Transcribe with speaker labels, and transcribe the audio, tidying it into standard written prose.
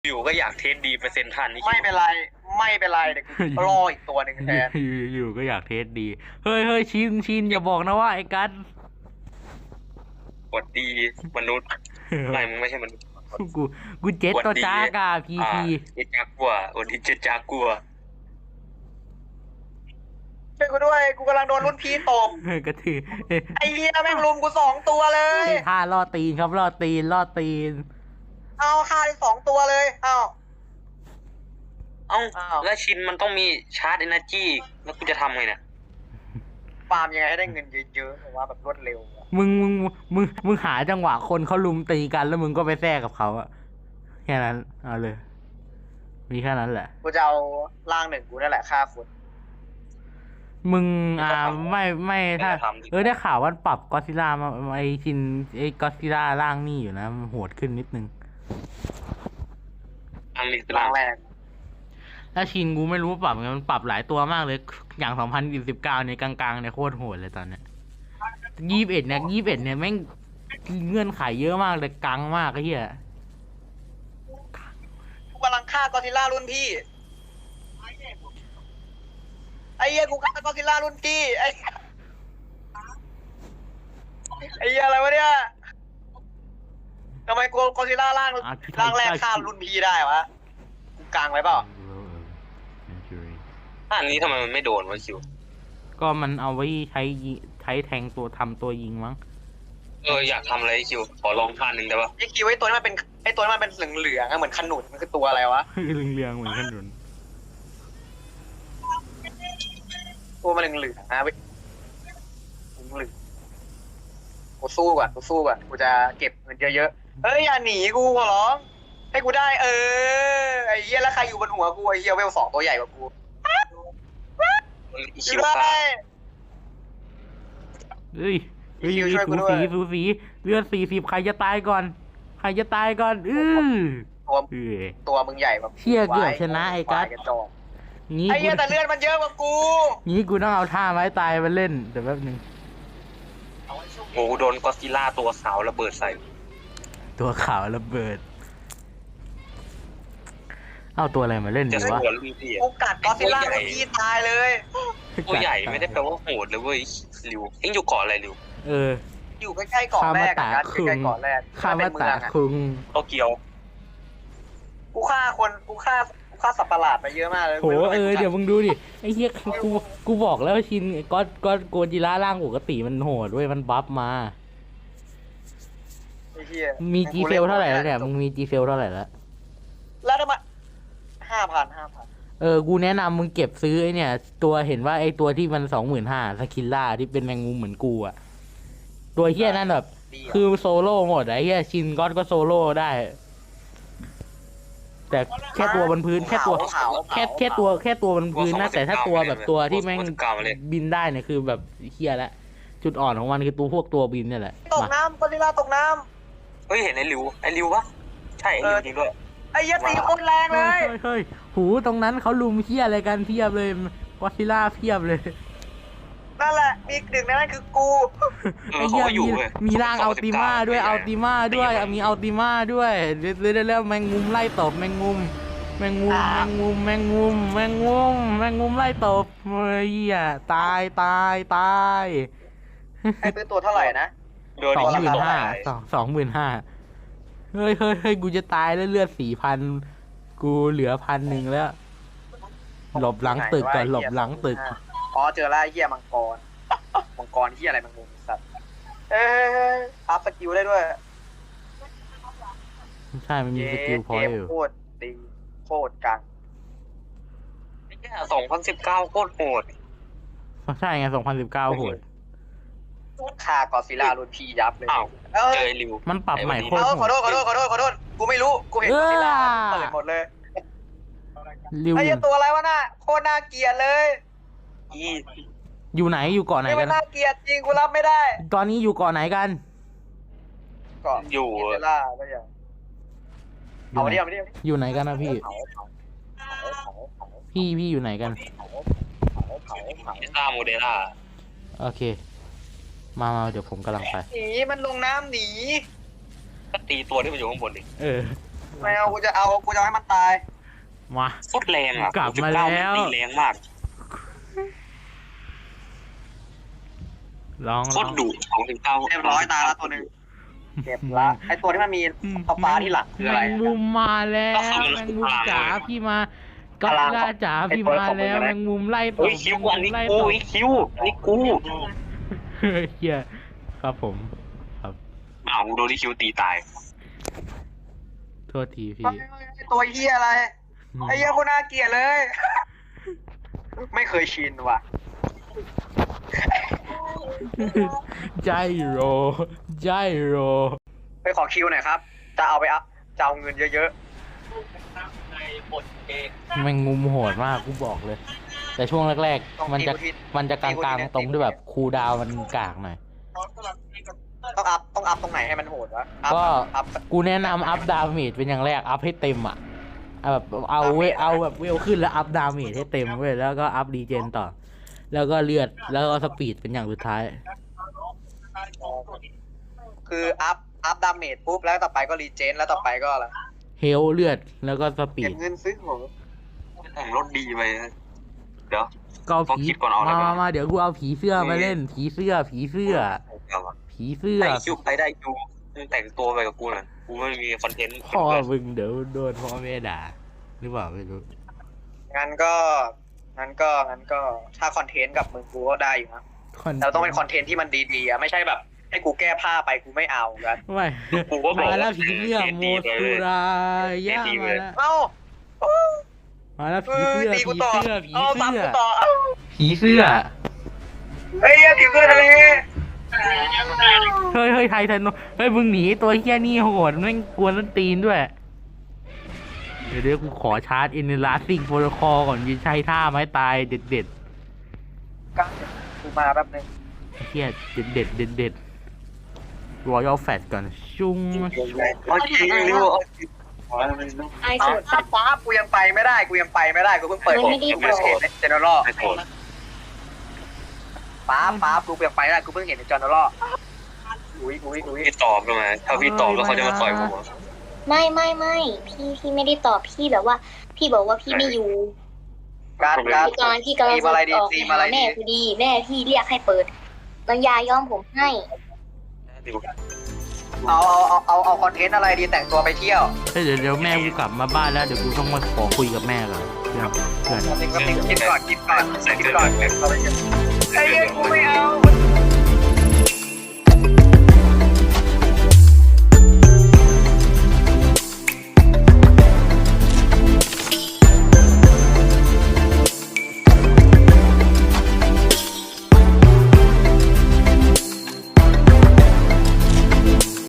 Speaker 1: อยู่ก็อยากเทสดีเปอร์เซ็นต์ทันนี่
Speaker 2: ไม่เป็นไรไม่เป็นไรเดี๋ยวกูรออีกตัวหนึ่งแทน
Speaker 3: อยู่ก็อยากเทสดีเฮ้ยชินอย่าบอกนะว่าไอ้กัส
Speaker 1: กดดีมนุษย์ไม่มึงไม่ใช่มนุษย์
Speaker 3: กูเจ็ดตัวจ้ากาพี
Speaker 1: เจ็ดจากัววันนี้เจ็ดจากัว
Speaker 2: ช่วยกูด้วยกูกำลังโดนรุ่นพี่ตบ
Speaker 3: กระถือ
Speaker 2: ไอ้เหี้ยแม่งลุมกู2 ตัวเลย
Speaker 3: ท่าล่อตีนครับล่อตีน
Speaker 2: เอาฆ่าได้2 ตัวเลยเอ้า
Speaker 1: เอ้าแล้วชินมันต้องมีชาร์จเอเนอร์จีแล้วกูจะทำไงเนี่ย
Speaker 2: ฟาร์มยังไงให้ได้เงินเยอะๆหรือว่าแบบรวดเร็ว
Speaker 3: มึงหาจังหวะคนเขาลุมตีกันแล้วมึงก็ไปแทรกกับเขาอะแค่นั้นเอาเลยมีแค่นั้นแหละ
Speaker 2: กูจะเอาร่าง1กูนั่นแหละฆ่าคน
Speaker 3: มึงไม่ถ้าได้ข่าวว่าปรับก็อดซิลล่ามาไอชินไอก็อดซิลล่าร่างนี่อยู่นะมันโหดขึ้นนิดนึง
Speaker 1: อันนี้
Speaker 2: ร่างแรก
Speaker 3: ถ้าชินกูไม่รู้ปรับไงมันปรับหลายตัวมากเลยอย่าง2019เนี่ยกลางๆเนี่ยโคตรโหดเลยตอนเนี้ย21เนี่ยแม่งเงื่อนไขเยอะมากเลยกังมากไอ้เหี้ย
Speaker 2: กูกำลังฆ่ากอซิลล่ารุ่นพี่ไอ้เหี้ยกูฆ่ากอซิลล่ารุ่นพี่ไอ้เหี้ยอะไรวะเนี่ยทำไมกอซิลล่าร่างแรกฆ่ารุ่นพี่ได้วะกูกลางไว้เปล่า
Speaker 1: อันนี้ทำไมมันไม่โดนวะคิว
Speaker 3: ก็มันเอาไว้ใช้แทงตัวทำตัวยิงมั้ง
Speaker 1: อยากทำอะไรคิวขอลองท่านึงได้ปะ
Speaker 2: ไอ้คิวไอ้ตัวนี้มันเป็นเหลืองๆเหมือนขนุนมันคือตัวอะไรวะ
Speaker 3: เหลืองเหมือนขนุน
Speaker 2: ตัวมันเหลืองๆนะเว้ยเหลืองกูสู้ก่อนกูจะเก็บเงินเยอะๆเฮ้ยอย่าหนีกูขอร้องให้กูได้ไอ้เหี้ยแล้วใครอยู่บนหัวกูไอ้เหี้ยเวล2ตัวใหญ่กว่ากู
Speaker 1: คิว
Speaker 2: ได้
Speaker 3: เฮ้ยสูสีเลือด40ใครจะตายก่อน
Speaker 2: ตัวมึงใหญ่แบบ
Speaker 3: เชี่ยเกือบชนะไอ้กัส
Speaker 2: งี้ไอ้เหี้ยแต่เลือดมันเยอะกว่ากู
Speaker 3: งี้กูต้องเอาท่าไม้ตายมาเล่นเดี๋ยวแป๊บนึง
Speaker 1: โอ้โดนก็อดซิลล่าตัวขาวระเบิดใส่
Speaker 3: ตัวขาวระเบิดเอาตัวอะไรมาเล่นดีวะ
Speaker 2: กูกัดก็อดซิลล่าพี่ตายเลย
Speaker 1: ตัวใหญ่ไม่ได้แปลว่าโหดเลยเว้ยริวเอ็งอยู่เกาะอะไรริว
Speaker 2: อยู่ใกล้ๆเกาะแรกกันใกล้ๆเกาะแรก
Speaker 3: คามาตะคุง
Speaker 1: โตเกียว
Speaker 2: กูฆ่าสัตว์ประหลาดไปเยอะมากเลย
Speaker 3: โหเดี๋ยวมึงดูดิไอ้เหี้ยกูบอกแล้วชินก็โกจิล่าร่างปกติมันโหดด้วยมันบัฟมา
Speaker 2: ไอ้เหี้ย
Speaker 3: มีจีเซลเท่าไหร่แล้วเนี่ยมึงมีจีเซลเท่าไหร่
Speaker 2: แล้วทำไม5,000
Speaker 3: กูแนะนำมึงเก็บซื้อไอ้เนี่ยตัวเห็นว่าไอ้ตัวที่มัน25,000สกิลล่าที่เป็นแมงมุมเหมือนกูอะตัวเหี้ยนั่นแบบคือโซโล่หมดไอ้เหี้ยชินก็โซโล่ได้แต่แค่ตัวบนพื้นแค่ตัวบนพื้นนะแต่ถ้าตัวแบบตัวที่แม่งบินได้เนี่ยคือแบบเหี้ยละจุดอ่อนของมันคือตัวบินเนี่ยแหละ
Speaker 2: ตกน้ำกอริลลาตกน้
Speaker 1: ำเฮ้ยเห็นไอ้ริวปะใช่ไอ้ริวจริงด้วย
Speaker 2: ไอ้ยัดตีโคตรแรงเลย
Speaker 3: เฮ้ยหูตรงนั้นเขาลุมเหี้ยอะไรกันเพียบเลยกอริลลาเพียบเลย
Speaker 2: นั่นแหละมีหนึ่งในนั้นคือกู
Speaker 3: ไอ้เหี้ยมีร่างอัลติมาด้วยมีอัลติมาด้วยแล้วแมงมุมไล่ตบแมงมุมไล่ตบเฮ้ยตาย
Speaker 2: ไอ้เป็นตัวเท่าไหร่นะ
Speaker 3: 25,000เฮ้ยกูจะตายแล้วเลือด 4,000กูเหลือ 1,000แล้วหลบหลังตึกก่อน
Speaker 2: อ๋อเจอแล้วเหี้ยมังกรเหี้ยอะไรมังมุมสัตว์อัพสกิลได้ด้วย
Speaker 3: ใช่มันมีสกิลพอยต์อยู่
Speaker 2: โคตรดีโคตรกัง
Speaker 1: ไอ้เหี้ย2019โคตรโหด
Speaker 3: ใช่ไง2019โหด
Speaker 2: ฆ่ากอซิลล่ารุ่นพี่ยับเลย
Speaker 1: เจอริว
Speaker 3: มันปรับใหม่โคตร
Speaker 2: ขอโทษกูไม่รู้กูเห็นกอซิลล่าเปิดหมดเลยไอ้ตัวอะไรวะน่ะโคตรน่าเกลียดเลย
Speaker 3: อยู่ไหนอยู่เกาะไหนกัน
Speaker 2: น่าเกลียดจริงกูรับไม่ได้
Speaker 3: ตอนนี้อยู่เกาะไหนกัน
Speaker 2: เกาะอยู่ล่าก็อย่างเอาเดียว
Speaker 3: อยู่ไหนกันนะพี่อยู่ไหนกัน
Speaker 1: โมเดล่า
Speaker 3: โอเคมาเดี๋ยวผมกำลังไป
Speaker 2: หนีมันลงน้ำหนี
Speaker 1: ก็ตีตัวที่มันอยู่ข้างบนดิ
Speaker 2: ไม่เอากูจะให้มันตาย
Speaker 3: มา
Speaker 1: โคตรแรงอ่ะ
Speaker 3: กลับมาแล้ว
Speaker 1: ตีแรงมาก
Speaker 3: ลอง
Speaker 1: โคตรดุ2-9
Speaker 2: เรียบร้อยตายแล้วตัวหนึ่งเก็บละไอตัวที่มันมีฟ้าที่หลังคืออะไร
Speaker 3: แมงมุมมาแล้วแมงมุมจ๋าพี่มาก็ล่าจ๋าพี่มาแล้วแมงมุมไล่ต
Speaker 1: โอ้
Speaker 3: บ
Speaker 1: ยคิว
Speaker 3: แม
Speaker 1: อั
Speaker 3: ง
Speaker 1: น
Speaker 3: มุม
Speaker 1: นี้
Speaker 3: ไล่
Speaker 1: กู
Speaker 3: ตบ
Speaker 1: ไอ้คิวอันนี้กู
Speaker 3: เฮียครับผมครับ
Speaker 1: อ้าวมึงโดนที่คิวตีตาย
Speaker 3: โทษทีพี่
Speaker 2: ไอ้ตัวเหี้ยอะไรไอ้เหี้ยคนน่าเกลียดเลย ไม่เคยชินว่ะ
Speaker 3: ใจโรใจโร
Speaker 2: ไปขอคิวหน่อยครับจะเอาไปอัพจะเอาเงินเยอะ
Speaker 3: แมงมุมโหดมากกูบอกเลย แต่ช่วงแรก
Speaker 2: ต้อง
Speaker 3: ๆ มันจะ
Speaker 2: ตี
Speaker 3: มันจะกลางๆตรงที่แบบคูลดาวน์มันกากหน่อย
Speaker 2: ๆต้องอัพตรงไหนให้มันโหดวะอัพ
Speaker 3: ก็
Speaker 2: อัพ
Speaker 3: กูแนะนำอัพดาเมจเป็นอย่างแรกอัพให้เต็มอ่ะแบบเอาแบบเวลขึ้นแล้วอัพดาเมจให้เต็มเว้ยแล้วก็อัพดีเจนต่อ แล้วก็เลือดแล้วก็สปีดเป็นอย่างสุดท้าย
Speaker 2: คืออัพดาเมจปุ๊บแล้วต่อไปก็รีเจนแล้วต่อไปก็อะไร
Speaker 3: เฮลเลือดแล้วก็สปี
Speaker 2: เก็
Speaker 3: ด
Speaker 2: บเงินซื้อของ
Speaker 1: แต่งรถดีไปนะเดี๋ยว
Speaker 3: ก็เอา
Speaker 1: ต้อง
Speaker 3: ผี
Speaker 1: คิดก่อนเอาอะไรก่อน
Speaker 3: มาเดี๋ยวกูเอาผีเสื้อมาเล่น ผีเสื้อ ผีเสื้อ ผีเสื้อ
Speaker 1: ไอ้คิวไปได้คิวแต่งตัวไปกับกูน่ะกูไม่มีคอนเทนต์
Speaker 3: พ่อมึงเดี๋ยวโดนพ่อแม่ด่าหรือเปล่าไม่รู้
Speaker 2: งั้นก็ถ้าคอนเทนต์กับมึงกูก็ได้อยู่นะแต่ต้องเป็นคอนเทนต์ที่มันดีๆอะไม่ใช่แบบ ให้กูแก้ผ้าไปกูไม่เอากัน
Speaker 3: ไม่
Speaker 1: กูก็บอก
Speaker 3: มาแล้วผีเสื้อโมสุรายะมาแล้ว
Speaker 2: เอ้า
Speaker 3: มาแล้วผีเสื้อ
Speaker 2: ตี
Speaker 3: ผี
Speaker 2: กูต่อ
Speaker 3: เสื้อผี
Speaker 2: เอาตาม
Speaker 3: เสื้อ
Speaker 2: กูต่อเอา
Speaker 3: ผีเสื้อ
Speaker 2: เฮ้ยผีเสื้อทะเล
Speaker 3: เฮ้ยไททันเฮ้ยมึงหนีตัวเฮี้ยนี่โหดแม่งกวนต้นตีนด้วย เดี๋ยวกูขอชาร์จอินลาสซิงโปรโตคอลก่อนยิงใช้ท่าไม้ตายเด็ด
Speaker 2: กันกูมาแป๊บนึง
Speaker 3: ๆเฮี้ยเด็ดรอยัลแฟตก่อนชุ้ง
Speaker 1: เอาจริงเร็ว
Speaker 4: ไอ้
Speaker 2: เอา
Speaker 4: สุด
Speaker 2: ฟ้ากูยังไปไม่ได้กูเพิ่งเปิด
Speaker 4: มันไม่ได้
Speaker 2: กูเพิ่งเห็นในเจเนอเรล
Speaker 1: ไม่โกรธ
Speaker 2: ฟ้ากูยังไปไม่ได้กูเพิ่งเห็นในเจเนอเรลอุ้ย
Speaker 1: พี่ตอบลงมาถ้าพี่ตอบแล้วเขาจะมาต่อยผม
Speaker 4: ไม่พี่ไม่ได้ตอบพี่แบบว่า พี่บอกว่าพี่ไม่อยู่
Speaker 2: การ
Speaker 4: พี่กำลังจะออก
Speaker 2: ตีมาอะไร
Speaker 4: หาแม่
Speaker 2: ดี
Speaker 4: พอดีแม่พี่เรียกให้เปิดน้องยาย้อมผมให้
Speaker 2: เอาคอนเทนต์อะไรดีแต่งตัวไปเที่ยว
Speaker 3: เฮ้ยเดี๋ยวแม่กูกลับมาบ้านแล้วเดี๋ยวกูต้องมาขอคุยกับแม่ก่อนเพื่อน
Speaker 2: คิดก่อนไอ้เหี้ยกูไม่เอา